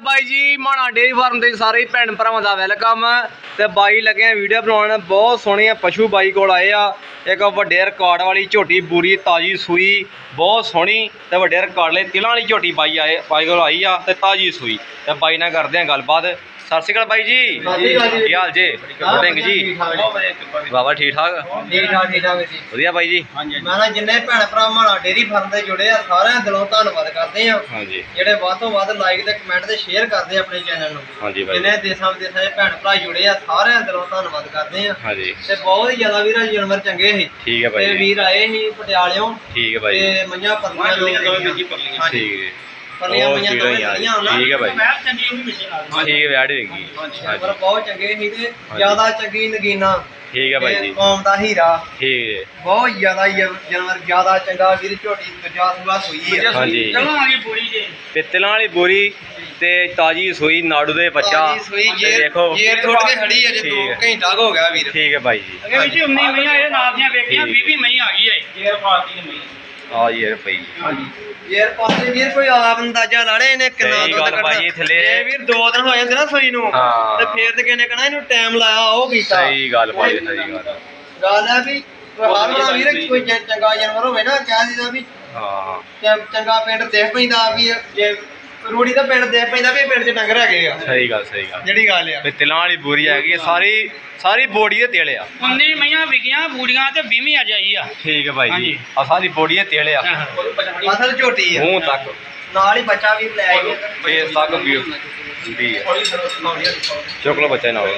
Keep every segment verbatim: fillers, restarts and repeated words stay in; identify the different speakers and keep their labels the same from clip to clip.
Speaker 1: By जी माना dairy farm के सारे भैन भरावां दा वेलकम। ते बाई लगे वीडियो बनाने बहुत सोहने पशु बाई कोल आए आ। एक वड्डे रिकॉर्ड वाली झोटी पूरी ताजी सूई बहुत सोहनी ते वड्डे रिकॉर्ड वाली तिलां वाली झोटी बाई आए बाई कोल आई आ ते ताजी सूई ते बाई नाल करदे आ गलबात। सत श्री अकाल बाई जी, की हाल जे ढिंग जी? बाबा ठीक ठाक
Speaker 2: ठीक ठाक ठीक ठाक जी
Speaker 1: वधिया बाई जी।
Speaker 2: मैं ना जिन्ने भैन भरा माना डेयरी फार्म से जुड़े आ सारे दिलों धन्नवाद करते हैं।
Speaker 1: हाँ जी
Speaker 2: ਜਿਹੜੇ ਵੱਧ ਤੋਂ ਵੱਧ ਲਾਈਕ ਤੇ ਕਮੈਂਟ ਤੇ ਸ਼ੇਅਰ ਕਰਦੇ ਆਪਣੇ ਚੈਨਲ ਨੂੰ।
Speaker 1: हाँ जी बाई
Speaker 2: ਜਿੰਨੇ ਦੇਸਾਂ ਵਿਦੇਸਾਂ ਦੇ ਭੈਣ ਭਰਾ ਜੁੜੇ ਆ ਸਾਰਿਆਂ ਦਿਲੋਂ ਧੰਨਵਾਦ ਕਰਦੇ ਆ।
Speaker 1: हाँ जी
Speaker 2: ਤੇ ਬਹੁਤ ਹੀ ਜ਼ਿਆਦਾ ਵੀਰਾਂ ਜਾਨਵਰ ਚੰਗੇ ਸੀ
Speaker 1: ठीक है बाई
Speaker 2: ਤੇ
Speaker 1: जी
Speaker 2: ਵੀਰ ਆਏ ਸੀ ਪਟਿਆਲਿਓਂ
Speaker 1: ठीक है बाई जी
Speaker 2: ਤੇ ਮਈਆਂ ਪਰਲੀਆਂ ਦੋ
Speaker 1: ठीक है
Speaker 2: ਪਰਲੀਆਂ ਮਈਆਂ ਦੋ ਲਈਆਂ ਉਹਨਾਂ
Speaker 1: ठीक है भाई
Speaker 2: ਮੈਂ ਚੰਗੀ ਉਹ ਵੀ ਪਿੱਛੇ ਨਾਲ
Speaker 1: ठीक है वैड होगी
Speaker 2: ਜਾਨਵਰ ਬਹੁਤ ਚੰਗੇ ਸੀ ਤੇ ਜ਼ਿਆਦਾ ਚੰਗੀ ਨਗੀਨਾ
Speaker 1: ठीक है भाई
Speaker 2: ਤੇ
Speaker 1: जी
Speaker 2: ਕੌਮ ਦਾ ਹੀਰਾ
Speaker 1: ठीक है
Speaker 2: ਬਹੁਤ ਜ਼ਿਆਦਾ ਹੀ ਜਾਨਵਰ ਜ਼ਿਆਦਾ ਚੰਗਾ ਵੀਰ ਝੋਟੀ ਦੂਜਾ ਸੁਭਾ ਸੂਈ ਹੈ।
Speaker 1: हाँ जी
Speaker 2: ਚਲੋ ਆ ਗਈ ਪੂਰੀ ਜੇ
Speaker 1: ਪਿੱਤਲਾਂ ਵਾਲੀ ਬੋਰੀ ਤੇ ਤਾਜੀ ਸੂਈ ਨਾੜੂ ਦੇ ਬੱਚਾ
Speaker 2: ਤਾਜੀ ਸੂਈ
Speaker 1: ਤੇ
Speaker 2: ਜੇਰ
Speaker 1: ਦੇਖੋ
Speaker 2: ਜੇਰ ਟੁੱਟ ਕੇ ਖੜੀ ਹੈ ਜੇ
Speaker 1: ਠੀਕ
Speaker 2: ਦੋ
Speaker 1: ਹੈ।
Speaker 2: ਘੰਟਾ ਹੋ ਗਿਆ ਵੀਰ।
Speaker 1: ਠੀਕ ਹੈ ਭਾਈ ਜੀ
Speaker 2: ਅਗੇ ਵਿੱਚ ਉन्नीस ਮਈਆਂ ਇਹ ਨਾਲ ਦੀਆਂ ਵੇਖੀਆਂ
Speaker 1: ਠੀਕ।
Speaker 2: ਵੀਹ ਵੀਹ ਮਈ ਆ ਗਈ ਹੈ ਜੇਰ ਪਾਤੀ ਨੇ ਮਈ।
Speaker 1: ਆ ਯਾਰ ਭਾਈ
Speaker 2: ਹਾਂਜੀ ਜੇਰ ਪਾਤੀ ਵੀਰ ਕੋਈ ਆਪ ਅੰਦਾਜ਼ਾ ਲਾ ਲੈ ਇਹਨੇ ਕਿੰਨਾ
Speaker 1: ਸਹੀ
Speaker 2: ਦੁੱਧ
Speaker 1: ਗੱਲ
Speaker 2: ਕੱਢਣਾ।
Speaker 1: ਭਾਈ, ਥੱਲੇ-
Speaker 2: ਜੇ ਵੀਰ ਦੋ ਦਿਨ ਹੋ ਜਾਂਦੇ ਨਾ ਸੂਈ ਨੂੰ
Speaker 1: ਹਾਂ।
Speaker 2: ਤੇ ਫੇਰ ਤੇ ਕਿਹਨੇ ਕਹਣਾ ਇਹਨੂੰ ਟਾਈਮ ਲਾਇਆ ਉਹ ਕੀਤਾ।
Speaker 1: ਸਹੀ ਗੱਲ ਭਾਈ ਸਹੀ ਗੱਲ
Speaker 2: ਗੱਲ ਹੈ ਵੀ ਹਰ ਵਾਰ ਵੀਰ ਕੋਈ ਚੰ- ਚੰਗਾ ਜਾਨਵਰ ਹੋਵੇ ਨਾ ਕਹਿ ਦਿੰਦਾ ਵੀ
Speaker 1: ਹਾਂ
Speaker 2: ਚ- ਚੰਗਾ ਪਿੰਡ ਦੇਖ ਪੈਂਦਾ ਵੀ ਜੇ ਰੂੜੀ ਦਾ ਪਿੰਡ ਦੇਖ ਪੈਂਦਾ ਵੀ ਇਹ ਪਿੰਡ 'ਚ ਡੰਗਰ ਹੈਗੇ ਆ।
Speaker 1: ਸਹੀ ਗੱਲ ਸਹੀ ਗੱਲ
Speaker 2: ਜਿਹੜੀ ਗੱਲ ਆ
Speaker 1: ਪਿੱਤਲਾਂ ਵਾਲੀ ਬੋਰੀ ਹੈਗੀ ਹੈ, ਸਾਰੀ ਸਾਰੀ ਬੋਡੀ ਦੇ ਤੇਲ ਆ।
Speaker 2: ਉन्नीस ਮਈਆਂ ਵਿਕੀਆਂ ਬੂੜੀਆਂ ਤੇ ਵੀਹਵੀਂ ਆ ਜਾਈ ਆ।
Speaker 1: ਠੀਕ ਹੈ ਭਾਈ ਜੀ ਆ ਸਾਰੀ ਬੋਡੀ ਦੇ ਤੇਲ ਆ
Speaker 2: ਅਸਲ ਝੋਟੀ ਆ
Speaker 1: ਮੂੰਹ ਤੱਕ
Speaker 2: ਨਾਲ ਹੀ ਬੱਚਾ ਵੀ ਲੈ ਆਈ
Speaker 1: ਫੇਸ ਤੱਕ ਵੀ ਹੁੰਦੀ ਹੈ। ਚੁੱਕ ਲਓ ਬੱਚਾ ਨਾਲ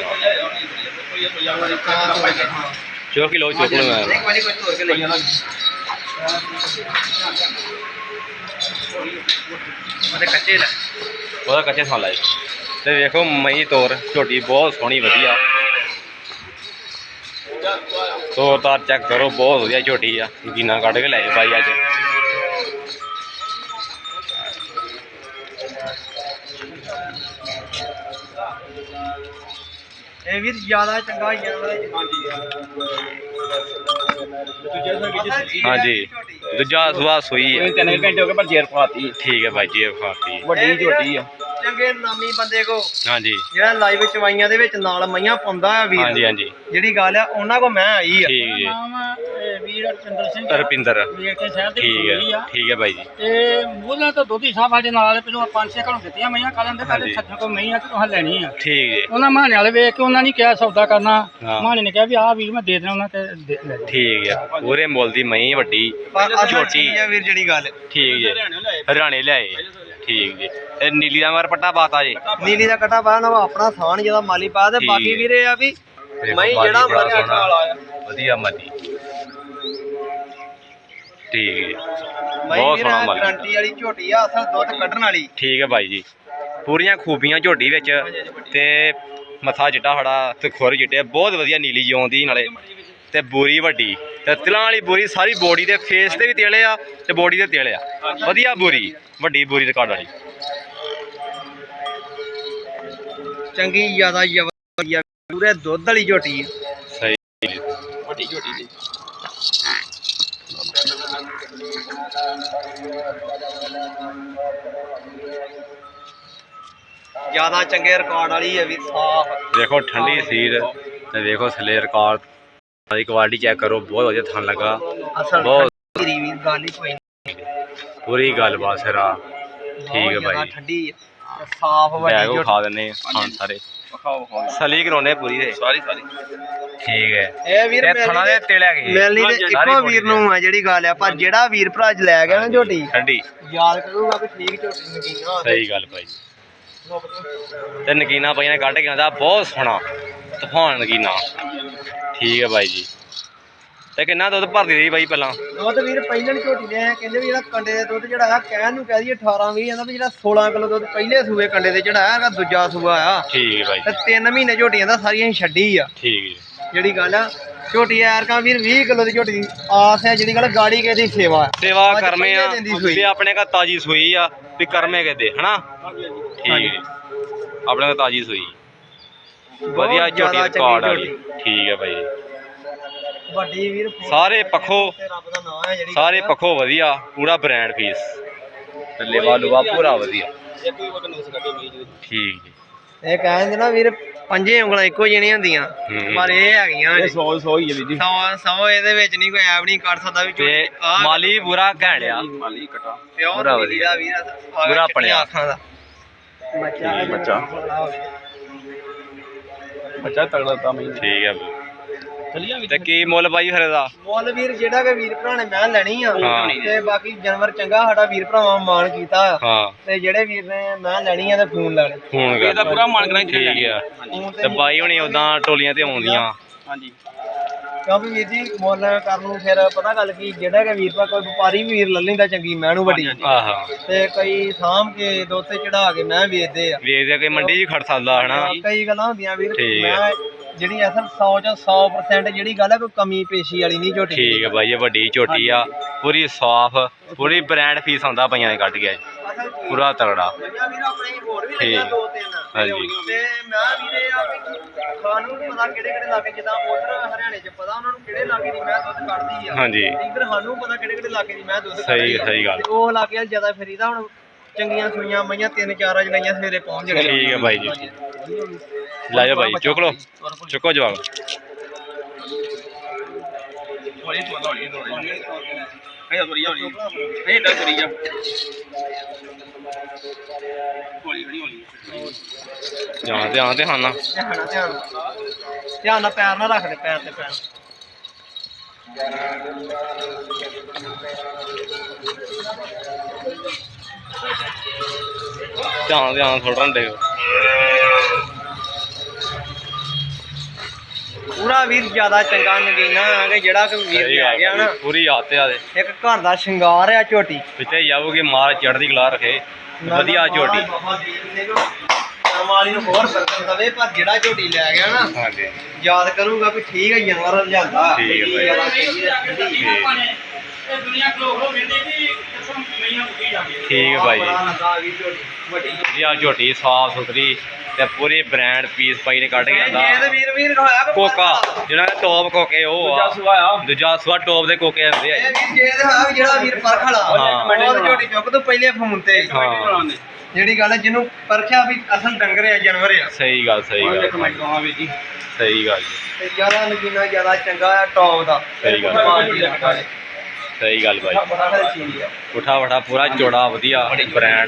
Speaker 1: ਚੁੱਕ ਲਓ ਚੁੱਕ ਲਓ ਮੈਂ
Speaker 2: ਇੱਕ ਵਾਰੀ ਕੋਈ ਧੋ ਕੇ ਲੈ ਜਾਣਾ ਉਹਦੇ ਕੱਚੇ ਲੈ
Speaker 1: ਉਹਦਾ ਕੱਚੇ ਸਾਲ ਲਾਏ ਤੇ ਵੇਖੋ ਮਈ ਤੋਰ ਝੋਟੀ ਬਹੁਤ ਸੋਹਣੀ ਵਧੀਆ ਤੋਰ ਤਾਰ ਚੈੱਕ ਕਰੋ ਬਹੁਤ ਵਧੀਆ ਝੋਟੀ ਆ ਨਗੀਨਾ ਕੱਢ ਕੇ ਲਾਏ ਬਾਈ ਅੱਜ
Speaker 2: ਇਹ ਵੀਰ ਜ਼ਿਆਦਾ ਚੰਗਾ ਜਾਨਵਰ
Speaker 1: ਹਾਂਜੀ ਦੂਜਾ ਸੁਆ ਸੂਈ ਹੈ
Speaker 2: ਤਿੰਨ ਘੰਟੇ ਹੋ ਗਏ ਪਰ ਜੇਰ ਪਾਤੀ
Speaker 1: ਠੀਕ ਹੈ ਭਾਈ ਜੀ ਇਹ ਖਾਤੀ
Speaker 2: ਵੱਡੀ ਝੋਟੀ ਆ ਚੰਗੇ ਨਾਮੀ ਬੰਦੇ ਕੋ
Speaker 1: ਹਾਂਜੀ
Speaker 2: ਜਿਹੜਾ ਲਾਈਵ ਚਵਾਈਆਂ ਦੇ ਵਿੱਚ ਨਾਲ ਮਈਆਂ ਪਾਉਂਦਾ ਆ ਵੀਰ
Speaker 1: ਹਾਂਜੀ ਹਾਂਜੀ
Speaker 2: ਜਿਹੜੀ ਗੱਲ ਆ ਉਹਨਾਂ ਕੋ ਮੈਂ ਆਈ ਆ
Speaker 1: ਠੀਕ ਜੀ
Speaker 3: ਵੀਰ ਰਪਿੰਦਰ ਸਿੰਘ
Speaker 1: ਰਪਿੰਦਰ
Speaker 3: ਵੇਖ ਕੇ ਸ਼ਹਿਰ ਦੇ
Speaker 1: ਠੀਕ ਹੈ
Speaker 3: ਕੋਲ ਆ
Speaker 1: ਠੀਕ ਹੈ ਭਾਈ ਜੀ
Speaker 3: ਤੇ ਮੂਲਾਂ ਤੋਂ ਦੁੱਧੀ ਸਾਹਿਬ ਸਾਡੇ ਨਾਲ ਪਹਿਲਾਂ ਪੰਜ ਛੇ ਘਰੋਂ ਦਿੱਤੀਆਂ ਮਈਆਂ ਕੱਲ੍ਹ ਦੇ ਪਹਿਲੇ
Speaker 1: ਹਾਂਜੀ।
Speaker 3: ਸੱਜਣ ਕੋਲ ਮਈਆਂ ਤੇ ਤੁਸੀਂ ਲੈਣੀ ਆ
Speaker 1: ਠੀਕ ਜੀ
Speaker 3: ਉਹਨਾਂ ਮਾਣੇ ਵਾਲੇ ਵੇਖ ਕੇ ਉਹਨਾਂ ਨੇ ਕਿਹਾ ਸੌਦਾ ਕਰਨਾ
Speaker 1: ਹਾਂ।
Speaker 3: ਮਾਣੇ ਨੇ ਕਿਹਾ ਵੀ ਆਹ ਵੀਰ ਮੈਂ ਦੇ ਦੇਣਾ ਉਹਨਾਂ ਤੇ ਦੇ ਲੈ ਜਾਓ।
Speaker 1: ਠੀਕ ਹੈ ਪੂਰੇ ਮੁੱਲ ਦੀ ਮਈ ਵੱਡੀ
Speaker 2: ਪਰ ਅਸਲ
Speaker 1: ਝੋਟੀ
Speaker 2: ਚੀਜ਼ ਆ ਵੀਰ ਜਿਹੜੀ ਗੱਲ
Speaker 1: ਠੀਕ ਜੀ ਹਰਿਆਣੇ ਲਿਆਏ ਠੀਕ ਜੀ ਇਹ ਨੀਲੀ ਦਾ ਮਰ ਪੱਟਾ ਪਾਤਾ ਜੀ
Speaker 2: ਨੀਲੀ ਦਾ ਕਟਾ ਪਾ ਨਾ ਆਪਣਾ ਥਾਨ ਜਿਹਦਾ ਮਾਲੀ ਪਾ ਤੇ
Speaker 1: ਠੀਕ
Speaker 2: ਬਾਕੀ
Speaker 1: ਹੈ।
Speaker 2: ਵੀਰੇ ਆ ਵੀ
Speaker 1: ਦੇਖੋ
Speaker 2: ਮੈਂ
Speaker 1: ਬਾਕੀ
Speaker 2: ਜਿਹੜਾ
Speaker 1: ਬੜਾ
Speaker 2: ਮਰਜ਼ੀ
Speaker 1: ਸੋਹਣਾ।
Speaker 2: ਨਾਲ ਆਇਆ
Speaker 1: ਵਧੀਆ ਮਤੀ ਠੀਕ ਹੈ
Speaker 2: ਮੈਂ
Speaker 1: ਬਹੁਤ
Speaker 2: ਵੀਰ
Speaker 1: ਸੋਹਣਾ ਮੱਲ
Speaker 2: ਗਾਰੰਟੀ ਵਾਲੀ ਝੋਟੀ ਆ ਅਸਲ ਦੁੱਧ ਕੱਢਣ ਵਾਲੀ
Speaker 1: ਠੀਕ ਹੈ ਭਾਈ ਜੀ ਪੂਰੀਆਂ ਖੂਬੀਆਂ ਝੋਟੀ ਵਿੱਚ ਤੇ ਮੱਥਾ ਚਿੱਟਾ ਖੜਾ ਤੇ ਖੁਰ ਚਿੱਟੇ ਬਹੁਤ ਵਧੀਆ ਨੀਲੀ ਜਿਉਂਦੀ ਨਾਲੇ ਤੇ ਬੋਰੀ ਵੱਡੀ ਤੇ ਤਿਲਾਂ ਵਾਲੀ ਬੋਰੀ ਸਾਰੀ ਬੋਡੀ ਦੇ ਫੇਸ ਤੇ ਵੀ ਤੇਲੇ ਆ ਤੇ ਬੋਡੀ ਦੇ ਤੇਲੇ ਆ ਵਧੀਆ ਬੋਰੀ ਵੱਡੀ ਬੋਰੀ ਰਿਕਾਰਡ ਵਾਲੀ
Speaker 2: ਚੰਗੀ ਜ਼ਿਆਦਾ ਜ਼ਬਰਦਸਤ ਪੂਰੇ ਦੁੱਧ ਵਾਲੀ ਝੋਟੀ ਆ
Speaker 1: ਸਹੀ
Speaker 2: ਵੱਡੀ ਝੋਟੀ ਜੀ ਜ਼ਿਆਦਾ ਚੰਗੇ ਰਿਕਾਰਡ ਵਾਲੀ ਹੈ ਵੀ ਸਾਫ
Speaker 1: ਦੇਖੋ ਠੰਡੀ ਸੀਰ ਤੇ ਦੇਖੋ ਥੱਲੇ ਰਿਕਾਰਡ ਦੀ ਕੁਆਲਿਟੀ ਚੈੱਕ ਕਰੋ ਬਹੁਤ ਵਧੀਆ ਥਣ ਲੱਗਾ
Speaker 2: ਅਸਲ
Speaker 1: ਬਹੁਤ
Speaker 2: ਠੰਡੀ ਵੀਰ ਗੱਲ ਹੀ ਕੋਈ ਨਹੀਂ
Speaker 1: ਪੂਰੀ ਗੱਲਬਾਤ ਸਿਰਾ ਠੀਕ ਹੈ ਭਾਈ
Speaker 2: ਠੰਡੀ ਆ ਸਾਫ ਵੱਡੀ
Speaker 1: ਬੈਗ
Speaker 2: ਝੋਟੀ
Speaker 1: ਖਾ ਦਿੰਨੇ ਖਾਣ ਸਾਰੇ ਸਲੀ ਕਰਾਉਣੇ ਪੂਰੀ ਦੇ ਸਾਰੀ ਸਾਰੀ ਠੀਕ ਹੈ
Speaker 2: ਇਹ ਵੀਰ
Speaker 1: ਤੇ ਥਣਾ ਦੇ ਤੇਲੇ ਗਏ
Speaker 2: ਮਿਲਣੀ ਤੇ ਇੱਕੋ ਵੀਰ ਨੂੰ ਆ ਜਿਹੜੀ ਗੱਲ ਆ ਪਰ ਜਿਹੜਾ ਵੀਰ ਭਰਾ ਜ ਲੈ ਗਿਆ ਨਾ ਝੋਟੀ
Speaker 1: ਠੰਡੀ
Speaker 2: ਯਾਦ ਕਰੂਗਾ ਵੀ ਠੀਕ ਝੋਟੀ ਨਗੀਨਾ
Speaker 1: ਸਹੀ ਗੱਲ ਭਾਈ ਤੇ ਨਗੀਨਾ ਭਾਈ ਨੇ ਕੱਢ ਕੇ ਆਂਦਾ ਬਹੁਤ ਸੋਹਣਾ ਤੂਫਾਨ ਨਗੀਨਾ ਠੀਕ ਹੈ ਭਾਈ ਜੀ ਤੇ ਕਿੰਨਾ ਦੁੱਧ ਭਰਦੀ ਰਹੀ ਬਾਈ ਪਹਿਲਾਂ
Speaker 2: ਦੁੱਧ ਵੀਰ ਪਹਿਲਾਂ ਝੋਟੀ ਦੇ ਕਹਿੰਦੇ ਵੀ ਜਿਹੜਾ ਕੰਡੇ ਦੇ ਦੁੱਧ ਜਿਹੜਾ ਆ ਕਹਿਣ ਨੂੰ ਕਹਿ ਦਈਏ ਅਠਾਰਾਂ ਵੀਹ ਜਾਂਦਾ ਵੀ ਜਿਹੜਾ ਸੋਲਾਂ ਕਿਲੋ ਦੁੱਧ ਪਹਿਲੇ ਸੂਏ ਕੰਡੇ ਦੇ ਚੜਾਇਆ ਹੈਗਾ ਦੂਜਾ ਸੂਆ ਆ
Speaker 1: ਠੀਕ ਹੈ ਭਾਈ
Speaker 2: ਤੇ ਤਿੰਨ ਮਹੀਨੇ ਝੋਟੀਆਂ ਦਾ ਸਾਰੀਆਂ ਹੀ ਛੱਡੀ ਆ
Speaker 1: ਠੀਕ ਹੈ
Speaker 2: ਜਿਹੜੀ ਗੱਲ ਆ ਝੋਟੀ ਐਰਕਾਂ ਵੀਰ ਵੀਹ ਕਿਲੋ ਦੀ ਝੋਟੀ ਦੀ ਆਸ ਹੈ ਜਿਹੜੀ ਗੱਲ ਗਾੜੀ ਕਿਸੇ ਦੀ ਸੇਵਾ
Speaker 1: ਸੇਵਾ
Speaker 2: ਅੱਜ
Speaker 1: ਕਰਮੇ ਆ
Speaker 2: ਪਹਿਲੇ ਦਿਨ ਦੀ ਸੂਈ।
Speaker 1: ਤੇ ਆਪਣੇ ਘਰ ਤਾਜੀ ਸੂਈ ਆ ਵੀ ਕਰਮੇ ਕਹਦੇ ਹਨਾ ਠੀਕ ਹੈ ਆਪਣੇ ਘਰ ਤਾਜੀ ਸੂਈ ਵਧੀਆ ਝੋਟੀ
Speaker 2: ਜ਼ਿਆਦਾ
Speaker 1: ਰਿਕਾਰਡ
Speaker 2: ਚੰਗੀ
Speaker 1: ਵਾਲੀ ਠੀਕ ਹੈ ਭਾਈ
Speaker 2: ਵੱਡੀ ਵੀਰ
Speaker 1: ਸਾਰੇ ਪੱਖੋਂ
Speaker 2: ਤੇ ਰੱਬ ਦਾ ਨਾਮ ਹੈ ਜਿਹੜੀ
Speaker 1: ਸਾਰੇ ਪੱਖੋਂ ਵਧੀਆ ਪੂਰਾ ਬ੍ਰਾਂਡ ਪੀਸ ਤੇ ਲੇਵਾ ਲੁਵਾ ਪੂਰਾ ਵਧੀਆ
Speaker 3: ਇੱਕ ਵੀ ਵਕਨ ਨੁਕਸ ਕੱਢੇ ਮਈ ਜੀ
Speaker 1: ਠੀਕ ਜੀ
Speaker 2: ਇਹ ਕਹਿੰਦੇ ਨਾ ਵੀਰ ਪੰਜੇ ਉਂਗਲਾਂ ਇੱਕੋ ਜਿਹੀਆਂ ਹੁੰਦੀਆਂ
Speaker 1: ਹੂੰ।
Speaker 2: ਪਰ ਇਹ ਹੈਗੀਆਂ
Speaker 3: ਇਹ ਸੌ ਸੌ ਹੀ ਹੈ ਵੀਰ ਜੀ
Speaker 2: ਸੌ ਸੌ ਇਹਦੇ ਵਿੱਚ ਨਹੀਂ ਕੋਈ ਐਬ ਨਹੀਂ ਕਰ ਸਕਦਾ ਵੀ
Speaker 1: ਤੇ ਮਾਲੀ ਪੂਰਾ ਘੈਂਟ ਆ
Speaker 3: ਮਾਲੀ ਕਟਾ
Speaker 2: ਪਿਓਰ
Speaker 1: ਪੂਰਾ ਵਧੀਆ।
Speaker 2: ਵੀਰ
Speaker 1: ਪੂਰਾ ਆਪਣਿਆ।
Speaker 2: ਅੱਖਾਂ ਦਾ ਬੱਚਾ
Speaker 3: ਠੀਕ, ਬੱਚਾ। ਬੱਚਾ ਤਗੜਾ ਤਾਂ ਮਈ
Speaker 1: ਠੀਕ ਹੈ ਬਈ।
Speaker 3: ਚਲੀਆਂ ਵੀ
Speaker 1: ਤੇ ਕੀ ਮੁੱਲ ਬਾਈ ਫਿਰ ਇਹਦਾ
Speaker 2: ਮੁੱਲ ਵੀਰ ਜਿਹੜਾ ਕਿ ਵੀਰ ਭਰਾ ਨੇ ਮੈਂ ਲੈਣੀ ਆ
Speaker 1: ਹਾਂ।
Speaker 2: ਤੇ ਬਾਕੀ ਜਾਨਵਰ ਚੰਗਾ ਸਾਡਾ ਵੀਰ ਭਰਾਵਾਂ ਮਾਣ ਕੀਤਾ
Speaker 1: ਹਾਂ
Speaker 2: ਤੇ ਜਿਹੜੇ ਵੀਰ ਨੇ ਮੈਂ ਲੈਣੀ ਆ ਤੇ ਫੋਨ ਲਾ ਲੈ
Speaker 1: ਫੋਨ ਕਰ
Speaker 3: ਇਹਦਾ ਪੂਰਾ ਮਨ ਕਰਾਂ
Speaker 1: ਠੀਕ ਆ ਤੇ ਬਾਈ ਹੁਣੀ ਉਦਾਂ ਟੋਲੀਆਂ ਤੇ ਆਉਂਦੀਆਂ
Speaker 3: ਹਾਂਜੀ
Speaker 2: ਕਿਉਂਕਿ ਵੀਰ ਜੀ ਮੁੱਲ ਕਰਨ ਨੂੰ ਫਿਰ ਪਤਾ ਗੱਲ ਕੀ ਜਿਹੜਾ ਕਿ ਵੀਰ ਭਰਾ ਕੋਈ ਵਪਾਰੀ ਵੀ ਵੀਰ ਲੈ ਲੈਂਦਾ ਚੰਗੀ ਮੈਂ ਨੂੰ ਵੱਡੀ
Speaker 1: ਆਹਾ
Speaker 2: ਤੇ ਕਈ ਸਾਂਭ ਕੇ ਦੋਤੇ ਚੜਾ ਕੇ ਮੈਂ ਵੇਚਦੇ ਆ
Speaker 1: ਵੇਚਦੇ ਕੋਈ ਮੰਡੀ 'ਚ ਹੀ ਖੜ ਸਕਦਾ ਹਨਾ
Speaker 2: ਕਈ ਗੱਲਾਂ ਹੁੰਦੀਆਂ ਵੀਰ
Speaker 1: ਠੀਕ ਆ।
Speaker 2: ਮੈਂ ਜਿਹੜੀ ਅਸਲ ਸੌ ਚ ਸੌ percent ਜਿਹੜੀ ਗੱਲ ਹੈ ਕੋਈ ਕਮੀ ਪੇਸ਼ੀ ਵਾਲੀ ਨਹੀਂ ਝੋਟੀ
Speaker 1: ਠੀਕ ਹੈ ਬਾਈ ਇਹ ਵੱਡੀ ਝੋਟੀ ਆ ਪੂਰੀ ਸਾਫ ਪੂਰੀ ਬ੍ਰਾਂਡ ਫੀਸ ਆਉਂਦਾ ਪਈਆਂ ਨੇ ਕੱਢ ਗਿਆ
Speaker 2: ਅਸਲ ਚੀਜ਼
Speaker 1: ਪੂਰਾ ਤਗੜਾ
Speaker 2: ਵਧੀਆ ਵੀਰ ਆਪਣੇ ਹੋਰ ਵੀ
Speaker 1: ਠੀਕ।
Speaker 2: ਲੱਗਿਆ ਦੋ ਤਿੰਨ
Speaker 1: ਹਾਂਜੀ।
Speaker 2: ਤੇ ਮੈਂ ਵੀਰੇ ਆ ਵੀ ਖਾਨੂੰ ਨੀ ਪਤਾ ਕਿਹੜੇ ਕਿਹੜੇ ਲਾਗੇ ਜਿੱਦਾਂ ਉਧਰ ਹਰਿਆਣੇ ਚ ਪਤਾ ਉਹਨਾਂ ਨੂੰ ਕਿਹੜੇ ਲਾਗੇ ਦੀ ਮੈਂ ਦੁੱਧ ਕੱਢਦੀ ਆ
Speaker 1: ਹਾਂਜੀ।
Speaker 2: ਇੱਧਰ ਸਾਨੂੰ ਪਤਾ ਕਿਹੜੇ ਕਿਹੜੇ ਲਾਗੇ ਦੀ ਮੈਂ ਦੁੱਧ
Speaker 1: ਸਹੀ-
Speaker 2: ਕੱਢਦੀ ਆ।
Speaker 1: ਸਹੀ ਗੱਲ।
Speaker 2: ਤੇ ਉਹ ਲਾਗੇ ਵੱਲ ਜ਼ਿਆਦਾ ਫਰੀਦਾ ਹੁਣ ਚੰਗੀਆਂ ਸੂਈਆਂ ਮਈਆਂ ਤਿੰਨ ਚਾਰ ਅੱਜ ਲਈਆਂ ਸਵੇਰੇ ਪਹੁੰਚ ਜਾਣੀਆਂ
Speaker 1: ਠੀਕ ਹੈ ਬਾਈ ਜੀ। ਲੈ ਜਾਓ ਬਾਈ ਚੁੱਕ ਲਓ ਚੁੱਕੋ ਜਵਾਬ
Speaker 3: ਹੌਲੀ ਤੋਂ ਹੌਲੀ ਤੋਂ ਹੌਲੀ ਇਹ ਤੋਰੀ ਹੌਲੀ ਇਹ ਡਰ ਕਰੀ ਜਾ ਹੌਲੀ ਹੌਲੀ ਹੌਲੀ
Speaker 1: ਧਿਆਨ ਧਿਆਨ ਤੇ ਖਾਣਾ
Speaker 2: ਧਿਆਨ ਨਾਲ ਧਿਆਨ ਨਾਲ। ਧਿਆਨ ਨਾਲ ਪੈਰ ਨਾ ਰੱਖ ਦੇ ਪੈਰ ਤੇ ਪੈਰ
Speaker 1: ਧਿਆਨ ਧਿਆਨ ਥੋੜਾ ਦੇ
Speaker 2: ਪੂਰਾ ਵੀਰ ਜ਼ਿਆਦਾ ਚੰਗਾ ਨਗੀਨਾ ਆ ਕਿ ਜਿਹੜਾ ਕਿ ਵੀਰ
Speaker 1: ਸਹੀ
Speaker 2: ਲੈ ਗਿਆ ਨਾ
Speaker 1: ਗੱਲ ਪੂਰੀ ਹੱਥ ਆ ਦੇ
Speaker 2: ਇੱਕ ਘਰ ਦਾ ਸ਼ਿੰਗਾਰ ਆ ਝੋਟੀ
Speaker 1: ਪਿੱਛੇ ਜਾਊਗੀ ਮਾਰ ਚੜ੍ਹਦੀ ਕਲਾ ਰੱਖੇ ਵਧੀਆ ਝੋਟੀ
Speaker 2: ਮਾਲੀ ਨੂੰ ਹੋਰ ਬਰਕਤ ਦਵੇ ਪਰ ਜਿਹੜਾ ਝੋਟੀ ਲੈ ਗਿਆ ਨਾ
Speaker 1: ਹਾਂਜੀ
Speaker 2: ਯਾਦ ਕਰੂਗਾ ਵੀ ਠੀਕ ਹੈ ਜਾਨਵਰ ਲਿਆਂਦਾ
Speaker 1: ਠੀਕ ਹੈ ਬਾਈ।
Speaker 2: ਜ਼ਿਆਦਾ ਚੰਗੀ ਰੱਖੀ।
Speaker 3: ਇਹ ਦੁਨੀਆ ਖਲੋ ਖਲੋ ਵੇਂਦੀ ਵੀ ਕਿਸਮ ਮਈਆਂ ਮੁੱਕੀ ਜਾਂਦੀ
Speaker 1: ਠੀਕ ਹੈ ਬਾਈ ਜੀ।
Speaker 2: ਬੜਾ ਲੱਗਾ ਵੀ ਝੋਟੀ ਵੱਡੀ
Speaker 1: ਵਧੀਆ ਝੋਟੀ ਸਾਫ ਸੁਥਰੀ ਤੇ ਪੂਰੀ ਬ੍ਰਾਂਡ ਪੀਸ ਪਾਈ ਨੇ ਕੱਢ ਕੇ
Speaker 2: ਇਹ ਤੇ
Speaker 1: ਆਂਦਾ
Speaker 2: ਵੀਰ ਵੀਰ ਹੋਇਆ ਕਿ
Speaker 1: ਕੋਕਾ ਜਿਹੜਾ ਟੌਪ ਕੋਕੇ ਉਹ ਆ
Speaker 3: ਸੁਆ ਆ
Speaker 1: ਦੂਜਾ ਸੁਆ ਟੌਪ ਦੇ ਕੋਕੇ ਆਉਂਦੇ ਆ
Speaker 2: ਇਹ ਵੀਰ ਜੇ ਤੇ ਹੋਇਆ ਵੀ ਜਿਹੜਾ ਵੀਰ ਪਰਖ ਵਾਲਾ
Speaker 1: ਹਾਂ।
Speaker 2: ਉਹ ਝੋਟੀ ਚੁੱਕ ਤੋਂ ਪਹਿਲੇ ਫੋਨ ਤੇ
Speaker 1: ਹਾਂ
Speaker 2: ਜਿਹੜੀ ਗੱਲ ਹੈ ਜਿਹਨੂੰ ਪਰਖਿਆ ਵੀ ਅਸਲ ਡੰਗਰ ਆ ਜਾਨਵਰ ਆ
Speaker 1: ਸਹੀ ਗੱਲ ਸਹੀ ਗੱਲ
Speaker 3: ਇੱਕ ਮਿੰਟ ਕਹਾਂ ਵੀ ਜੀ
Speaker 1: ਸਹੀ ਗੱਲ ਜੀ
Speaker 2: ਤੇ ਜ਼ਿਆਦਾ ਨਗੀਨਾ ਜ਼ਿਆਦਾ ਚੰਗਾ ਆ ਟੌਪ ਦਾ
Speaker 1: ਸਹੀ ਗੱਲ।
Speaker 2: ਗੱਲ
Speaker 1: ਸਹੀ ਗੱਲ ਬਾਈ
Speaker 2: ਬੜਾ ਸਾਰੀ ਚੀਜ਼ ਆ
Speaker 1: ਉਠਾ ਵਠਾ ਪੂਰਾ ਚੌੜਾ ਵਧੀਆ ਬ੍ਰਾਂਡ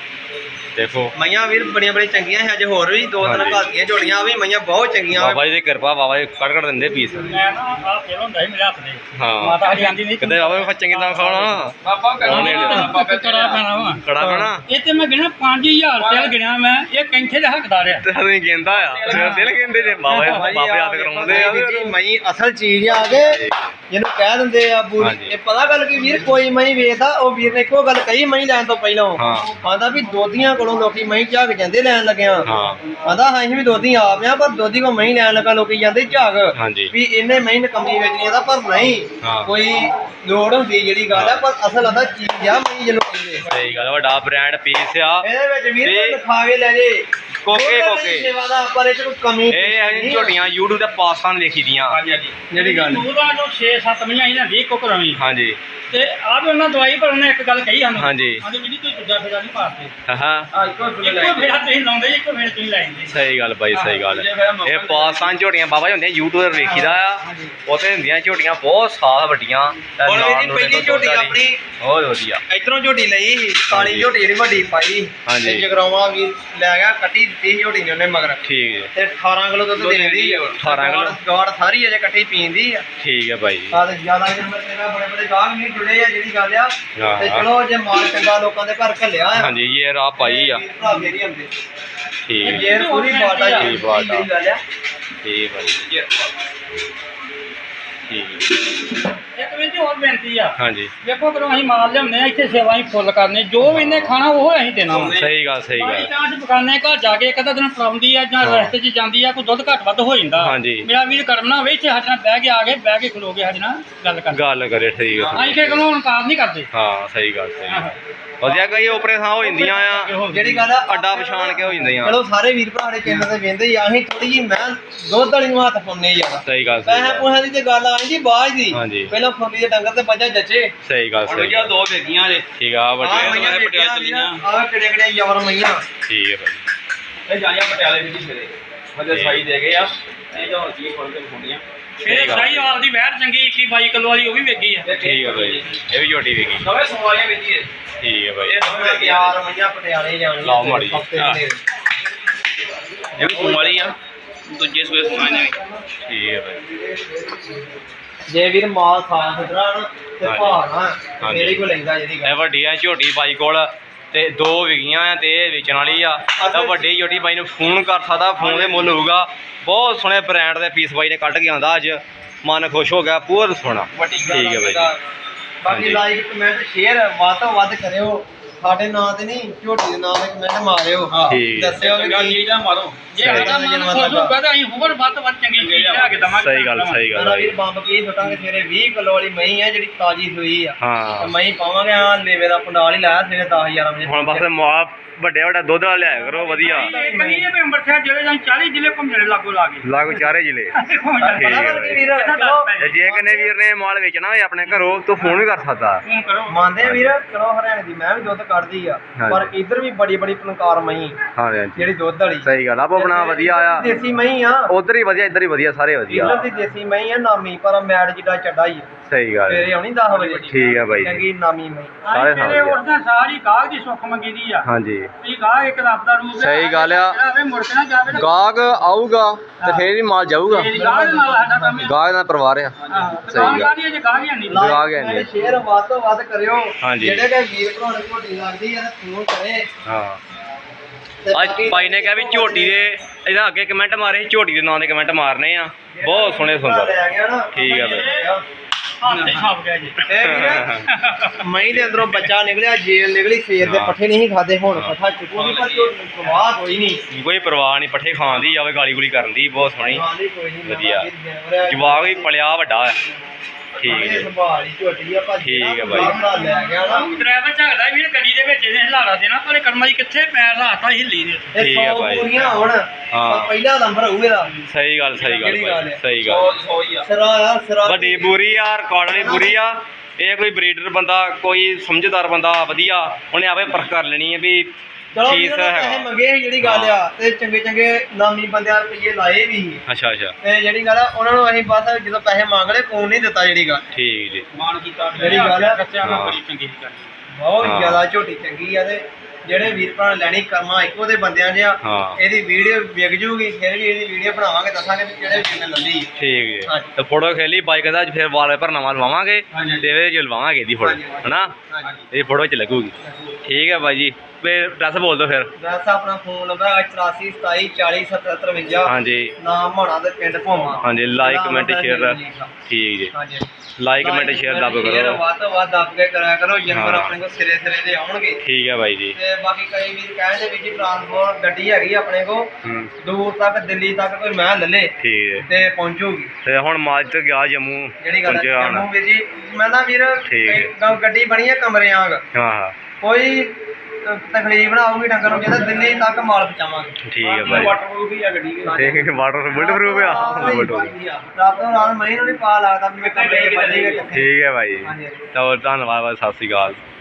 Speaker 1: ਦੇਖੋ
Speaker 2: ਮਈਆਂ ਵੀਰ ਬੜੀਆਂ ਬੜੀਆਂ ਚੰਗੀਆਂ ਹੈ ਅੱਜ ਹੋਰ ਵੀ ਦੋ ਤਿੰਨ
Speaker 1: ਹਾਂਜੀ।
Speaker 2: ਘਰ ਦੀਆਂ ਝੋੜੀਆਂ ਉਹ ਵੀ ਮਈਆਂ ਬਹੁਤ ਚੰਗੀਆਂ
Speaker 1: ਬਾਬਾ ਜੀ ਦੀ ਕਿਰਪਾ ਬਾਬਾ ਜੀ ਕੱਢ ਕੱਢ ਦਿੰਦੇ ਪੀਸ
Speaker 3: ਮੈਂ ਨਾ ਆ ਫੇਰ ਹੁੰਦਾ ਸੀ ਮੇਰੇ ਹੱਥ ਦੇ
Speaker 1: ਹਾਂ
Speaker 3: ਮਾਤਾ ਹਰੀ ਆਂਦੀ ਨਹੀਂ
Speaker 1: ਕਿਤੇ ਬਾਬਾ ਜੀ ਚੰਗੀ ਤਰ੍ਹਾਂ ਖਾਣਾ
Speaker 3: ਪਾਪਾ
Speaker 1: ਉਹਨੇ
Speaker 3: ਪਾਪਾ ਕਰਾ ਪੈਣਾ ਵਾ
Speaker 1: ਕੜਾ ਖਾਣਾ
Speaker 3: ਇਹ ਤੇ ਮੈਂ ਗਿਣਿਆ ਪੰਜ ਹਜ਼ਾਰ ਰੁਪਏ ਗਿਣਿਆ ਮੈਂ ਇਹ ਕੈਂਠੇ ਦਾ ਹੱਕਦਾਰ ਆ
Speaker 1: ਤੇ ਅਸੀਂ ਕਹਿੰਦਾ ਆ ਸਿਰ ਦਿਲ ਕਹਿੰਦੇ ਜੇ ਬਾਬਾ ਬਾਬਾ ਯਾਦ ਕਰਾਉਂਦੇ ਆ
Speaker 2: ਜੀ ਮਈ ਅਸਲ ਚੀਜ਼ ਆ ਕੇ ਜਿਹਨੂੰ ਕਹਿ ਦਿੰਦੇ ਆ ਬੂਰੀ
Speaker 1: ਹਾਂਜੀ।
Speaker 2: ਇਹ ਪਤਾ ਗੱਲ ਕੀ ਵੀਰ ਕੋਈ ਮਈ ਵੇਚਦਾ ਉਹ ਵੀਰ ਨੇ ਇੱਕੋ ਗੱਲ ਕਹੀ ਮਈ ਲੈਣ ਤੋਂ ਪਹਿਲਾਂ
Speaker 1: ਹਾਂ।
Speaker 2: ਆਂਦਾ ਵੀ ਦੋਧੀਆਂ ਕੋਲੋਂ ਲੋਕੀ ਮਈ ਝਾਕ ਜਾਂਦੇ ਲੈਣ ਲੱਗਿਆ
Speaker 1: ਹਾਂ
Speaker 2: ਆਂਦਾ ਹਾਂ ਅਸੀਂ ਵੀ ਦੋਧੀ ਆਪ ਆ ਪਰ ਦੋਧੀ ਕੋ ਮਈ ਲੈਣ ਲੱਗਾ ਲੋਕੀ ਜਾਂਦੇ ਝਾਕ
Speaker 1: ਹਾਂਜੀ
Speaker 2: ਵੀ ਇਹਨੇ ਮਈ ਨਕਮੀ ਵੇਚਣੀ ਇਹਦਾ ਪਰ ਨਹੀਂ
Speaker 1: ਹਾਂ।
Speaker 2: ਕੋਈ ਲੋੜ ਹੁੰਦੀ ਜਿਹੜੀ ਗੱਲ ਆ ਪਰ ਅਸਲ ਅਦਾ ਚੀਜ਼ ਆ ਮਈ ਜਿਹਨੂੰ ਕਹਿੰਦੇ
Speaker 1: ਸਹੀ ਗੱਲ ਵੱਡਾ ਬ੍ਰਾਂਡ ਪੀਸ ਆ
Speaker 2: ਇਹਦੇ ਵਿੱਚ ਵੀਰ
Speaker 1: ਤੇ
Speaker 2: ਲਿਖਾ ਕੇ ਲੈ ਜੇ
Speaker 1: ਕੋਕੇ
Speaker 2: ਉਹਦੇ ਵਿੱਚ
Speaker 1: ਕੋਕੇ
Speaker 2: ਸੇਵਾ ਦਾ ਪਰ ਇਹ ਚ ਕੋਈ ਕਮੀ
Speaker 1: ਇਹ ਅਸੀਂ ਝੋਟੀਆਂ YouTube ਤੇ ਪਾਕਿਸਤਾਨ ਵੇਖੀ ਦੀਆਂ
Speaker 2: ਜਿਹੜੀ ਗੱਲ
Speaker 3: ਉਹਦਾ ਜੋ ਛੇ ਸੱਤ ਮਹੀਨੇ ਹੀ ਲੈਂਦੀ ਇੱਕੋ ਕਰਾਉਣੀ
Speaker 1: ਹਾਂਜੀ
Speaker 3: ਤੇ ਆਹ ਵੀ ਉਹਨਾਂ ਦਵਾਈ ਪਰ ਉਹਨੇ ਇੱਕ ਗੱਲ ਕਹੀ ਸਾਨੂੰ
Speaker 1: ਹਾਂਜੀ।
Speaker 3: ਆਂਦੇ ਵੀ ਤੁਸੀਂ ਦੂਜਾ ਫੇਰਾ ਨਹੀਂ ਮਾਰਦੇ
Speaker 1: ਹਾਂ
Speaker 2: ਆ ਇੱਕੋ ਫੁੱਲ ਲੈ
Speaker 3: ਇੱਕੋ ਫੇਰਾ ਤੁਸੀਂ ਲਾਉਂਦੇ ਜੀ, ਇੱਕੋ ਫੇਰਾ ਤੁਸੀਂ ਲਾਉਂਦੇ
Speaker 1: ਸਹੀ ਗੱਲ ਬਾਈ ਸਹੀ ਗੱਲ ਇਹ ਪਾਕਿਸਤਾਨ ਝੋਟੀਆਂ ਬਾਬਾ ਜੀ ਹੁੰਦੀਆਂ YouTube ਤੇ ਵੇਖੀਦਾ ਆ ਉੱਥੇ ਹੁੰਦੀਆਂ ਝੋਟੀਆਂ ਬਹੁਤ ਸਾਫ ਵੱਡੀਆਂ ਤੇ
Speaker 2: ਹੁਣ
Speaker 1: ਨਾਲ
Speaker 2: ਮੇਰੀ
Speaker 1: ਨੂੰ
Speaker 2: ਪਹਿਲੀ
Speaker 1: ਦੇਖੋ
Speaker 2: ਝੋਟੀ
Speaker 1: ਦੁੱਧ ਵਾਲੀ।
Speaker 2: ਆਪਣੀ
Speaker 1: ਬਹੁਤ ਵਧੀਆ
Speaker 2: ਇਧਰੋਂ ਝੋਟੀ ਲਈ ਸੀ, ਕਾਲੀ
Speaker 1: ਹਾਂਜੀ।
Speaker 2: ਝੋਟੀ ਜਿਹੜੀ ਵੱਡੀ ਪਾਈ
Speaker 1: ਹਾਂਜੀ।
Speaker 2: ਤੇ ਜਗਰਾਵਾਂ ਵੀ ਲੈ ਗਿਆ ਕੱਟੀ ਦਿੱਤੀ ਸੀ ਝੋਟੀ ਨੇ ਉਹਨੇ ਮਗਰ
Speaker 1: ਠੀਕ ਹੈ
Speaker 2: ਤੇ ਅਠਾਰਾਂ ਕਿਲੋ ਦੁੱਧ ਦੇਂਦੀ ਆ
Speaker 1: ਅਠਾਰਾਂ ਕਿਲੋ।
Speaker 2: ਗਾੜ ਸਾਰੀ ਅਜੇ ਕੱਟੀ ਪੀਂਦੀ ਆ
Speaker 1: ਠੀਕ ਹੈ ਬਾਈ ਜੀ
Speaker 2: ਆ ਤੇ ਜ਼ਿਆਦਾ ਜਨਮ ਤੇਰਾ ਬੜੇ ਬੜੇ ਗਾਹਕ ਨਹੀਂ ਜੁੜੇ ਆ ਜਿਹੜੀ ਗੱਲ ਆ
Speaker 1: ਹਾਂ।
Speaker 2: ਤੇ ਚਲੋ ਜੇ ਮਾਲ ਚੰਗਾ ਲੋਕਾਂ ਦੇ ਘਰ ਘੱਲਿਆ ਆ
Speaker 1: ਹਾਂਜੀ ਇਹ ਰਾਹ ਪਾਈ ਆ
Speaker 2: ਵੀਰ ਭਰਾ ਫੇਰ ਹੀ ਹੁੰਦੇ
Speaker 1: ਠੀਕ
Speaker 2: ਜੇ ਪੂਰੀ ਬਾਟਾ
Speaker 1: ਠੀਕ
Speaker 2: ਜੀ
Speaker 1: ਬਾਟਾ।
Speaker 2: ਜਿਹੜੀ ਗੱਲ ਆ
Speaker 1: ਠੀਕ ਬਾਈ ਠੀਕ
Speaker 3: ਇੱਕ ਵੀ ਹੋਰ ਬੇਨਤੀ ਆ
Speaker 1: ਹਾਂਜੀ
Speaker 3: ਵੇਖੋ ਕਦੋਂ ਅਸੀਂ ਮਾਲ ਲਿਆਉਂਦੇ ਆ ਇੱਥੇ ਸੇਵਾ ਹੀ ਫੁੱਲ ਕਰਨੇ ਜੋ ਵੀ ਇਹਨੇ ਖਾਣਾ ਉਹ ਅਸੀਂ ਦੇਣਾ ਵਾ
Speaker 1: ਸਹੀ ਗੱਲ ਸਹੀ
Speaker 3: ਬਾਈ
Speaker 1: ਗੱਲ
Speaker 3: ਚਾਂਸ ਬਗਾਨੇ ਘਰ ਜਾ ਕੇ ਇੱਕ ਅੱਧਾ ਦਿਨ ਪਰਾਉਂਦੀ ਆ ਜਾਂ
Speaker 1: ਹਾਂ।
Speaker 3: ਰਸਤੇ 'ਚ ਜਾਂਦੀ ਆ ਕੋਈ ਦੁੱਧ ਘੱਟ ਵੱਧ ਹੋ ਜਾਂਦਾ
Speaker 1: ਹਾਂਜੀ।
Speaker 3: ਮੇਰਾ ਵੀਰ ਕਰਮਨਾ ਹੋਵੇ ਇੱਥੇ ਸਾਡੇ ਨਾਲ ਬਹਿ ਕੇ ਆ ਕੇ ਬਹਿ ਕੇ ਖਲੋ ਕੇ ਸਾਡੇ ਨਾਲ ਗੱਲ ਕਰ
Speaker 1: ਗੱਲ ਕਰੇ ਠੀਕ ਆ
Speaker 3: ਅਸੀਂ ਕਿਸੇ ਕੋਲੋਂ ਇਨਕਾਰ ਨਹੀਂ ਕਰਦੇ
Speaker 1: ਹਾਂ ਸਹੀ ਗੱਲ ਸਹੀ
Speaker 3: ਆਹੋ।
Speaker 1: ਗੱਲ। ਵਧੀਆ ਕਈ ਓਪਰੇ ਥਾਂ ਹੋ ਜਾਂਦੀਆਂ ਆ
Speaker 2: ਜਿਹੜੀ ਗੱਲ ਆ
Speaker 1: ਅੱਡਾ ਪਛਾਣ ਕੇ ਹੋ ਜਾਂਦੀਆਂ
Speaker 2: ਚਲੋ ਸਾਰੇ ਵੀਰ ਭਰਾ ਦੇ ਚੈਨਲ ਤੇ ਵੇਂਦੇ ਹੀ ਅਸੀਂ ਥੋੜੀ ਜਿਹੀ ਮੈਂ ਦੁੱਧ ਵਾਲੀ ਨੂੰ ਹੱਥ ਪਾਉਂਦੇ ਜ਼ਿਆਦਾ
Speaker 1: ਸਹੀ ਗੱਲ ਸਹੀ
Speaker 2: ਪੈਸੇ
Speaker 1: ਗੱਲ
Speaker 2: ਪੂਸਿਆਂ ਦੀ ਤੇ ਗੱਲ ਆ ਜੀ ਬਾਜ ਦੀ
Speaker 1: ਹਾਂਜੀ।
Speaker 2: ਪਹਿਲਾਂ ਫੋਨੀ ਦੇ ਡੰਗਰ ਤੇ ਬੱਜਾ ਜੱਚੇ
Speaker 1: ਸਹੀ ਗੱਲ
Speaker 3: ਹੁਣ
Speaker 1: ਸਹੀ
Speaker 3: ਭਈਆ ਦੋ ਵੇਗੀਆਂ ਜੇ
Speaker 1: ਠੀਕ ਆ
Speaker 2: ਆ
Speaker 1: ਵੱਡੇ
Speaker 2: ਮਈਆਂ
Speaker 3: ਪਟਿਆਲੇ
Speaker 2: ਬੇਟੀਆਂ
Speaker 3: ਚੱਲੀਆਂ।
Speaker 2: ਆ ਕਿਹੜੇ ਕਿਹੜੇ ਯਵਰ ਮਈਆਂ
Speaker 1: ਠੀਕ ਹੈ ਭਾਈ
Speaker 3: ਇਹ ਜਾਈਆਂ ਪਟਿਆਲੇ ਵਿੱਚ ਹੀ ਸਵੇਰੇ ਮਤਲਬ ਸਾਈ ਦੇ ਗਏ ਆ ਇਹ ਜੋ ਜੀ ਖੋਲ ਕੇ ਖੁੰਡੀਆਂ
Speaker 1: ਠੀਕ ਆ
Speaker 4: ਸਹੀ ਆਪਦੀ ਵਹਿਰ ਚੰਗੀ ਇੱਕੀ ਬਾਈ ਕਿਲੋ ਵਾਲੀ ਉਹ ਵੀ ਵੇਗੀ ਆ
Speaker 1: ਠੀਕ ਹੈ ਭਾਈ ਇਹ ਵੀ ਝੋਟੀ ਵਿਕੀ
Speaker 3: ਨਵੇਂ ਸਵਾਰੀਆਂ ਵਿੱਚ ਹੀ
Speaker 1: ਠੀਕ ਹੈ ਭਾਈ
Speaker 3: ਇਹ ਨਵੇਂ
Speaker 2: ਤਿਆਰ ਮਈਆਂ ਪਟਿਆਲੇ ਜਾਣੀਆਂ
Speaker 1: ਲਾਓ ਮਾੜੀ ਜਿਹੀ।
Speaker 2: ਹਫ਼ਤੇ ਦੇ ਨੇੜੇ।
Speaker 3: ਇਹ ਵੀ ਸੂਣ ਵਾਲੀ ਆ ਦੂਜੇ ਸੂਏ ਸੂਣਾ ਨੇ
Speaker 1: ਠੀਕ ਹੈ ਭਾਈ
Speaker 2: ਜੇ ਵੀਰ ਮਾਲ ਸਾਫ ਸੁਥਰਾ ਨਾ ਤੇ
Speaker 1: ਹਾਂਜੀ।
Speaker 2: ਭਾਣਾ
Speaker 1: ਹਾਂਜੀ।
Speaker 2: ਮੇਰੇ ਕੋਲ ਲੈਂਦਾ ਜਿਹੜੀ
Speaker 1: ਇਹ
Speaker 2: ਗੱਲ
Speaker 1: ਵੱਡੀ ਆ ਝੋਟੀ ਬਾਈ ਕੋਲ ਤੇ ਦੋ ਵਿਕੀਆਂ ਆ ਤੇ ਇਹ ਵੇਚਣ ਵਾਲੀ ਆ ਤਾਂ ਵੱਡੀ ਝੋਟੀ ਬਾਈ ਨੂੰ ਫੋਨ ਕਰ ਸਕਦਾ ਫੋਨ ਦੇ ਮੁੱਲ ਹੋਊਗਾ ਬਹੁਤ ਸੋਹਣੇ ਬ੍ਰਾਂਡ ਦੇ ਪੀਸ ਬਾਈ ਨੇ ਕੱਢ ਕੇ ਆਂਦਾ ਅੱਜ ਮਨ ਖੁਸ਼ ਹੋ ਗਿਆ ਬਹੁਤ ਸੋਹਣਾ ਠੀਕ ਹੈ ਬਾਈ ਜੀ
Speaker 2: ਬਾਕੀ
Speaker 1: ਹਾਂਜੀ।
Speaker 2: ਲਾਈਕ ਕਮੈਂਟ ਸ਼ੇਅਰ ਵੱਧ ਤੋਂ ਵੱਧ ਕਰਿਓ ਸਾਡੇ ਨਾਂ ਤੇ ਨਹੀਂ ਝੋਟੀ ਦੇ ਨਾਂ ਤੇ ਕਮੈਂਟ ਮਾਰਿਓ
Speaker 1: ਠੀਕ।
Speaker 2: ਦੱਸਿਓ ਵੀ
Speaker 3: ਚੰਗਾ
Speaker 2: ਕੀ
Speaker 3: ਚੀਜ਼ ਦਾ ਮਾਰੋ
Speaker 4: ਜੇ ਸਾਡਾ ਮਨ ਖੁਸ਼ ਹੋਊਗਾ ਤਾਂ ਅਸੀਂ ਹੋਰ ਵੱਧ ਤੋਂ ਵੱਧ ਚੰਗੀ ਚੀਜ਼ ਲਿਆ ਕੇ ਦਵਾਂਗੇ
Speaker 1: ਸਹੀ ਗੱਲ ਸਹੀ ਗੱਲ
Speaker 2: ਮੇਰਾ
Speaker 1: ਬਾਈ
Speaker 2: ਵੀਰ ਬੰਬ ਕੀ ਸੁੱਟਾਂਗੇ ਸਵੇਰੇ ਵੀਹ ਕਿਲੋ ਵਾਲੀ ਮਹੀਂ ਆ ਜਿਹੜੀ ਤਾਜੀ ਸੂਈ ਆ
Speaker 1: ਹਾਂ
Speaker 2: ਤੇ ਮਹੀਂ ਪਾਵਾਂਗੇ ਆ ਲੇਵੇ ਦਾ ਪੰਡਾਲ ਹੀ ਲਾਇਆ ਸਵੇਰੇ ਦਸ ਗਿਆਰਾਂ ਵਜੇ
Speaker 1: ਹੁਣ ਬਸ ਮਾ ਵੱਡੇ ਵੱਡਾ ਦੁੱਧ ਵਾਲਾ ਲਿਆਇਆ ਕਰੋ ਵਧੀਆ
Speaker 4: ਇਹ ਕਹੀ ਹੈ ਵੀ ਅੰਮ੍ਰਿਤਸਰ ਜਿਹੜੇ ਜਾਂ ਚਾਲੀ ਜ਼ਿਲ੍ਹੇ ਘੁੰਮਣੇ ਲਾਗੋ ਲਾਗੇ
Speaker 1: ਲਾਗੂ ਚਾਰੇ ਜ਼ਿਲ੍ਹੇ
Speaker 2: ਪਤਾ ਗੱਲ ਕੀ ਵੀਰ ਚਲੋ
Speaker 1: ਤੇ ਜੇ ਕਿਨੇ ਵੀਰ ਨੇ ਮਾਲ ਵੇਚਣਾ ਹੋਏ ਆਪਣੇ ਘਰੋਂ ਤੂੰ ਫੋਨ ਵੀ ਕਰ ਸਕਦਾ
Speaker 4: ਫੋਨ ਕਰੋ
Speaker 2: ਮੰਨਦੇ ਆ ਵੀਰ ਚਲੋ ਹਰਿਆਣੇ ਦੀ ਮੈਂ ਵੀ ਦੁੱਧ ਕੱਢਦੀ ਆ ਪਰ ਇੱਧਰ ਵੀ ਬੜੀ ਬੜੀ ਪਨਕਾਰ ਮਹੀਂ
Speaker 1: ਹਾਂ ਹਾਂਜੀ
Speaker 2: ਜਿਹੜੀ ਦੁੱਧ ਵਾਲੀ
Speaker 1: ਸਹੀ ਗੱਲ ਆਪੋ ਆਪਣਾ ਵਧੀਆ ਆ
Speaker 2: ਦੇਸੀ ਮਹੀਂ ਆ
Speaker 1: ਉਧਰ ਹੀ ਵਧੀਆ ਇੱਧਰ ਹੀ ਵਧੀਆ ਸਾਰੇ ਵਧੀਆ
Speaker 2: ਇੱਧਰ ਦੀ ਦੇਸੀ ਮਹੀਂ ਆ ਨਾਮੀ ਪਰ ਮੈਡ ਜਿੱਡਾ ਚੱਡਾ ਹੀ ਆ।
Speaker 1: ਸਹੀ ਗੱਲ
Speaker 2: ਸਵੇਰੇ ਆਉਣੀ ਦਸ ਵਜੇ
Speaker 1: ਠੀਕ ਆ ਬਾਈ ਜੀ।
Speaker 2: ਚੰਗੀ ਨਾਮੀ ਮਹੀਂ
Speaker 1: ਸਾਰੇ
Speaker 4: ਸਾਰੇ
Speaker 1: ਥਾਂ
Speaker 4: ਜਿਹੜੇ
Speaker 1: ਵਧੀਆ।
Speaker 4: ਉਰਦਾਂ ਸਾਰੀ ਗਾਹ ਦੀ ਸੁੱਖ ਮੰਗੀ ਦੀ ਆ
Speaker 1: ਹਾਂਜੀ
Speaker 4: ਵੀ ਗਾਹ ਇੱਕ ਰੱਬ ਦਾ ਰੂਪ ਹੈ
Speaker 1: ਸਹੀ ਗੱਲ ਆ।
Speaker 4: ਜਿਹੜਾ ਆਵੇ ਮੁੜ ਕੇ ਨਾ ਜਾਵੇ ਨਾ
Speaker 1: ਗਾਹਕ ਆਊਗਾ ਤੇ ਫੇਰ ਹੀ ਮਾਲ ਜਾਊਗਾ
Speaker 4: ਤੇਰੀ ਗਾਹ ਦੇ ਨਾਲ ਸਾਡਾ ਕੰਮ ਹੈ
Speaker 1: ਗਾਹਕ ਦਾ ਪਰਿਵਾਰ ਆ
Speaker 4: ਆਹੋ ਤੇ
Speaker 1: ਸਹੀ
Speaker 4: ਗਾਹ
Speaker 1: ਗੱਲ।
Speaker 4: ਦੀ ਜੇ ਗਾਹ ਹੀ ਨਹੀਂ
Speaker 1: ਲਗਾ ਕੇ ਆਉਂਦੇ।
Speaker 2: ਸ਼ੇਅਰ ਵੱਧ ਤੋਂ ਵੱਧ ਕਰਿਓ
Speaker 1: ਹਾਂਜੀ।
Speaker 2: ਜਿਹੜੇ ਕਿ ਵੀਰ ਭਰਾ ਨੂੰ ਝੋਟੀ ਲੱਗਦੀ ਆ ਤਾਂ ਫੋਨ ਕਰੇ
Speaker 1: ਹਾਂ
Speaker 2: ਤੇ
Speaker 1: ਅੱਜ
Speaker 2: ਬਾਕੀ
Speaker 1: ਭਾਈ ਨੇ ਕਿਹਾ ਵੀ ਝੋਟੀ ਦੇ ਇਹਦਾ ਅੱਗੇ ਕਮੈਂਟ ਮਾਰੇ ਸੀ, ਝੋਟੀ ਦੇ ਨਾਂ ਦੇ ਕਮੈਂਟ ਮਾਰਨੇ ਆ ਬਹੁਤ ਸੋਹਣੇ ਸੁੰਦਰ
Speaker 2: ਲੈ ਗਿਆ ਨਾ
Speaker 1: ਠੀਕ ਆ ਬਾਈ।
Speaker 4: ਹੱਥ ਹੀ ਛਾਪ ਗਿਆ ਜੀ
Speaker 2: ਇਹ ਵੀਰ ਮਹੀਂ ਦੇ ਅੰਦਰੋਂ ਬੱਚਾ ਨਿਕਲਿਆ ਜੇਲ ਨਿਕਲੀ ਸਵੇਰ ਦੇ
Speaker 1: ਹਾਂ।
Speaker 2: ਪੱਠੇ ਨਹੀਂ ਖਾਦੇ ਹੁਣ ਪੱਠਾ ਚੁੱਕੂਗੀ ਪਰ ਝੋਟੀ ਨੂੰ ਪ੍ਰਵਾਹ ਕੋਈ ਨਹੀਂ
Speaker 1: ਕੋਈ ਪਰਵਾਹ ਨਹੀਂ ਪੱਠੇ ਖਾਣ ਦੀ ਜਾਵੇ ਗਾਲੀ ਗੁਲੀ ਕਰਨ ਦੀ ਬਹੁਤ ਸੋਹਣੀ
Speaker 2: ਖਾਂਦੀ ਕੋਈ ਨਹੀਂ
Speaker 1: ਵਧੀਆ। ਜਵਾਕ ਵੀ ਪਲਿਆ ਵੱਡਾ ਹੈ ਠੀਕ ਹੈ
Speaker 2: ਸੰਭਾਲੀ ਝੋਟੀ ਆ ਭਾਜੀ
Speaker 1: ਠੀਕ ਆ ਬਾਈ।
Speaker 2: ਬਾਈ ਲੈ ਗਿਆ ਨਾ
Speaker 4: ਡਰਾਈਵਰ ਝਗਦਾ ਵੀ ਗੱਡੀ ਦੇ ਵਿੱਚ ਇਹਨੇ ਹਿਲਾਰਾ ਦੇਣਾ ਪਰ ਕਰਮਾਂ ਦੀ ਕਿੱਥੇ ਪੈਰ ਰਾਤਾ ਹਿੱਲੀ ਨੇ
Speaker 2: ਇਹ
Speaker 1: ਠੀਕ ਆ
Speaker 2: ਸੌ
Speaker 1: ਬਾਈ।
Speaker 2: ਪੂਰੀਆਂ ਹੁਣ
Speaker 1: ਹਾਂ।
Speaker 2: ਪਹਿਲਾ ਨੰਬਰ ਹੋਊ ਇਹਦਾ
Speaker 1: ਸਹੀ ਗੱਲ ਸਹੀ ਗੱਲ
Speaker 2: ਕਿਹੜੀ ਗੱਲ
Speaker 1: ਬਾਈ
Speaker 2: ਹੈ?
Speaker 1: ਸਹੀ
Speaker 3: ਸੌ
Speaker 1: ਗੱਲ
Speaker 3: ਸੌ ਹੀ ਆ
Speaker 2: ਸਿਰਾ ਆ ਸਿਰਾ
Speaker 1: ਵੱਡੀ ਬੂਰੀ ਆ ਰਿਕਾਰਡ ਵਾਲੀ ਬੂਰੀ ਆ ਇਹ ਕੋਈ ਬਰੀਡਰ ਬੰਦਾ ਕੋਈ ਸਮਝਦਾਰ ਬੰਦਾ ਵਧੀਆ ਉਹਨੇ ਆਪੇ ਪਰਖ ਕਰ ਲੈਣੀ ਹੈ ਵੀ
Speaker 2: ਚਲੋ
Speaker 1: ਚੀਜ਼
Speaker 2: ਵੀਰ ਨੇ ਪੈਸੇ
Speaker 1: ਹੈਗਾ
Speaker 2: ਮੰਗੇ ਸੀ ਜਿਹੜੀ ਗੱਲ ਆ ਤੇ ਚੰਗੇ ਚੰਗੇ ਨਾਮੀ ਬੰਦਿਆਂ ਰੁਪਏ ਲਾਏ ਵੀ ਸੀ
Speaker 1: ਅੱਛਾ ਅੱਛਾ
Speaker 2: ਤੇ ਜਿਹੜੀ ਗੱਲ ਆ ਉਹਨਾਂ ਨੂੰ ਅਸੀਂ ਬਸ ਜਦੋਂ ਪੈਸੇ ਮੰਗ ਲਏ ਫੋਨ ਨਹੀਂ ਦਿੱਤਾ ਜਿਹੜੀ ਗੱਲ
Speaker 1: ਠੀਕ ਜੀ
Speaker 3: ਮਾਨ ਕੀਤਾ
Speaker 2: ਜਿਹੜੀ ਗੱਲ ਆ
Speaker 4: ਬੱਚਿਆਂ ਨੂੰ
Speaker 1: ਹਾਂ।
Speaker 4: ਬੜੀ ਚੰਗੀ ਗੱਲ
Speaker 2: ਬਹੁਤ
Speaker 1: ਹਾਂ।
Speaker 2: ਜ਼ਿਆਦਾ ਝੋਟੀ ਚੰਗੀ ਆ ਤੇ ਜਿਹੜੇ ਵੀਰ ਭਰਾ ਨੇ ਲੈਣੀ ਕਰਮਾ ਇੱਕੋ ਦੇ ਬੰਦਿਆਂ ਜਿਆ
Speaker 1: ਹਾਂ
Speaker 2: ਇਹਦੀ ਵੀਡੀਓ ਵਿਕ ਜੂਗੀ ਫਿਰ ਵੀ ਇਹਦੀ ਵੀਡੀਓ ਬਣਾਵਾਂਗੇ ਦੱਸਾਂਗੇ ਵੀ ਕਿਹੜੇ ਵੀਰ ਨੇ ਲੱਲੀ
Speaker 1: ਠੀਕ ਜੀ
Speaker 2: ਹਾਂਜੀ।
Speaker 1: ਤੇ ਫੋਟੋ ਖੇਲੀ ਬਾਈਕ ਦਾ ਅੱਜ ਫਿਰ ਵਾਲ ਪਰ ਨਵਾਂ ਲਵਾਵਾਂਗੇ
Speaker 2: ਹਾਂਜੀ।
Speaker 1: ਤੇ ਇਹਦੇ ਚ ਲਵਾਵਾਂਗੇ ਇਹਦੀ ਫੋਟੋ
Speaker 2: ਹਾਂਜੀ, ਹਾਂਜੀ।
Speaker 1: ਹਨਾ
Speaker 2: ਹਾਂਜੀ
Speaker 1: ਇਹ ਫੋਟੋ ਚ ਲੱਗੂਗੀ ਠੀਕ ਹੈ ਬਾਈ ਜੀ ਫਿਰ ਐਡਰੈਸ ਬੋਲ ਦਿਓ ਫਿਰ
Speaker 2: ਦੱਸ ਆਪਣਾ ਫੋਨ ਨੰਬਰ ਚੁਰਾਸੀ ਸਤਾਈ ਚਾਲੀ ਸੱਤਰ ਬਵੰਜਾ
Speaker 1: ਹਾਂਜੀ
Speaker 2: ਨਾਮ ਹੋਣਾ ਤੇ ਪਿੰਡ ਭੋਮਾ
Speaker 1: ਹਾਂਜੀ ਲਾਈਕ
Speaker 2: ਨਾਮ
Speaker 1: ਕਮੈਂਟ
Speaker 2: ਆਪਣਾ
Speaker 1: ਸ਼ੇਅਰ
Speaker 2: ਜੀ।
Speaker 1: ਠੀਕ ਜੀ
Speaker 2: ਹਾਂਜੀ
Speaker 1: ਲਾਈਕ ਕਮੈਂਟ ਸ਼ੇਅਰ ਦੱਬ
Speaker 2: ਸ਼ੇਅਰ
Speaker 1: ਕਰੋ
Speaker 2: ਵੱਧ ਤੋਂ ਵੱਧ ਦੱਬ ਕੇ ਕਰਿਆ ਕਰੋ ਜਾਨਵਰ
Speaker 1: ਹਾਂ।
Speaker 2: ਆਪਣੇ ਕੋਲ ਸਿਰੇ ਸਿਰੇ ਦੇ ਆਉਣਗੇ
Speaker 1: ਠੀਕ ਹੈ ਬਾਈ ਜੀ
Speaker 2: ਤੇ ਬਾਕੀ ਕਈ ਵੀਰ ਕਹਿੰਦੇ ਵੀ ਜੀ ਟਰਾਂਸਪੋਰਟ ਗੱਡੀ ਹੈਗੀ ਆਪਣੇ ਕੋਲ
Speaker 1: ਹੂੰ
Speaker 2: ਦੂਰ ਤੱਕ ਦਿੱਲੀ ਤੱਕ ਕੋਈ ਮੈਂ ਲੱਲੇ
Speaker 1: ਠੀਕ ਹੈ
Speaker 2: ਤੇ ਪਹੁੰਚੂਗੀ
Speaker 1: ਤੇ ਹੁਣ ਮਾਜ ਤੇ ਗਿਆ ਜੰਮੂ
Speaker 2: ਜਿਹੜੀ ਗੱਲ
Speaker 1: ਪਹੁੰਚਿਆ
Speaker 2: ਹੈ
Speaker 1: ਹੁਣ
Speaker 2: ਜੰਮੂ ਵੀਰ ਜੀ ਮੈਂ ਨਾ ਵੀਰ
Speaker 1: ਠੀਕ ਹੈ।
Speaker 2: ਕਈ ਗ- ਗੱਡੀ ਬਣੀ ਹੈ ਕਮਰਿਆਂ ਵਾਂਗ
Speaker 1: ਹਾਂ ਹਾਂ
Speaker 2: ਕੋਈ ਤ- ਤਕਲੀਫ ਨਾ ਆਊਗੀ ਡੰਗਰ ਨੂੰ ਕਹਿੰਦਾ ਦਿੱਲੀ ਤੱਕ ਮਾਲ ਪਹੁੰਚਾਵਾਂਗੇ
Speaker 1: ਠੀਕ ਹੈ ਬਾਈ
Speaker 3: ਵਾਟਰਪ੍ਰੂਫ ਹੀ ਆ ਗੱਡੀ ਦੇ
Speaker 1: ਠੀਕ ਹੈ ਵਾਟਰ ਬੁਲਟ ਪ੍ਰੂਫ ਆ ਬੁਲਟ
Speaker 2: ਰਾਤੋਂ ਰਾਤ ਮਹੀਂ ਨੂੰ ਨਹੀਂ ਪਾ ਲੱਗਦਾ ਵੀ ਮੈਂ ਕਮਰੇ 'ਚ ਬੱਜੇਗਾ ਕਿੱਥੇ
Speaker 1: ਠੀਕ ਹੈ ਬਾਈ
Speaker 2: ਹਾਂਜੀ
Speaker 1: ਤਾਂ ਧੰਨਵਾਦ ਸਤਿ ਸ਼੍ਰੀ ਅਕਾਲ